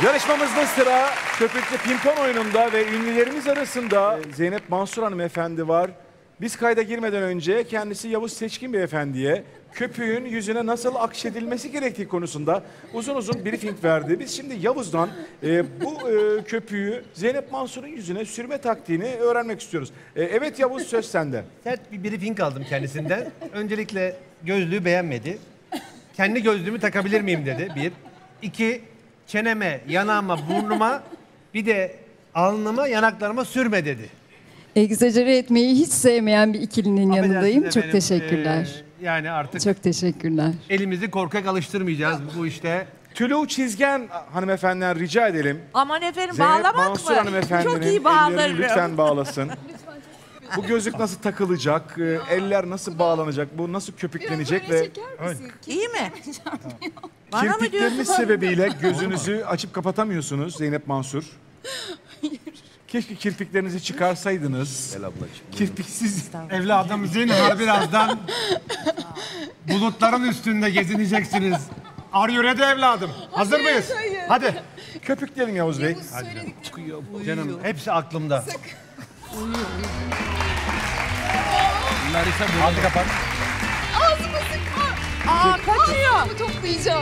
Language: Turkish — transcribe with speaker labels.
Speaker 1: Yarışmamızda sıra köpüklü pimpon oyununda ve ünlülerimiz arasında Zeynep Mansur hanımefendi var. Biz kayda girmeden önce kendisi Yavuz Seçkin beyefendiye köpüğün yüzüne nasıl akşedilmesi gerektiği konusunda uzun uzun briefing verdi. Biz şimdi Yavuz'dan bu köpüğü Zeynep Mansur'un yüzüne sürme taktiğini öğrenmek istiyoruz. Evet Yavuz, söz sende.
Speaker 2: Sert bir briefing aldım kendisinden. Öncelikle gözlüğü beğenmedi. Kendi gözlüğümü takabilir miyim dedi. Bir. İki, çeneme, yanağıma, burnuma bir de alnıma, yanaklarıma sürme dedi.
Speaker 3: Egzajere etmeyi hiç sevmeyen bir ikilinin yanındayım.
Speaker 2: Affedersiniz
Speaker 3: Çok
Speaker 2: efendim,
Speaker 3: teşekkürler.
Speaker 2: Yani artık
Speaker 3: Çok teşekkürler.
Speaker 2: elimizi korkak alıştırmayacağız bu işte.
Speaker 1: Tülü Çizgen hanımefendiden rica edelim.
Speaker 4: Aman efendim,
Speaker 1: Zeynep
Speaker 4: bağlamak
Speaker 1: Mansur
Speaker 4: mı?
Speaker 1: hanımefendinin
Speaker 4: Çok iyi
Speaker 1: ellerini
Speaker 4: bağlarım.
Speaker 1: lütfen bağlasın. Bu gözlük nasıl takılacak, eller nasıl bağlanacak, bu nasıl köpüklenecek ve
Speaker 4: İyi mi? Bana mı diyorsun?
Speaker 1: kirpikleriniz sebebiyle gözünüzü açıp kapatamıyorsunuz Zeynep Mansur. Keşke kirpiklerinizi çıkarsaydınız. Gel ablacığım. Kirpiksiz.
Speaker 2: Evladım zinhar birazdan bulutların üstünde gezineceksiniz. Are you ready evladım? Hazır mıyız? Hadi.
Speaker 1: Köpükleyelim Yavuz Bey.
Speaker 2: Canım hepsi aklımda. Hadi kapat.
Speaker 4: Aa, kaçıyor.
Speaker 3: Toplayacağım.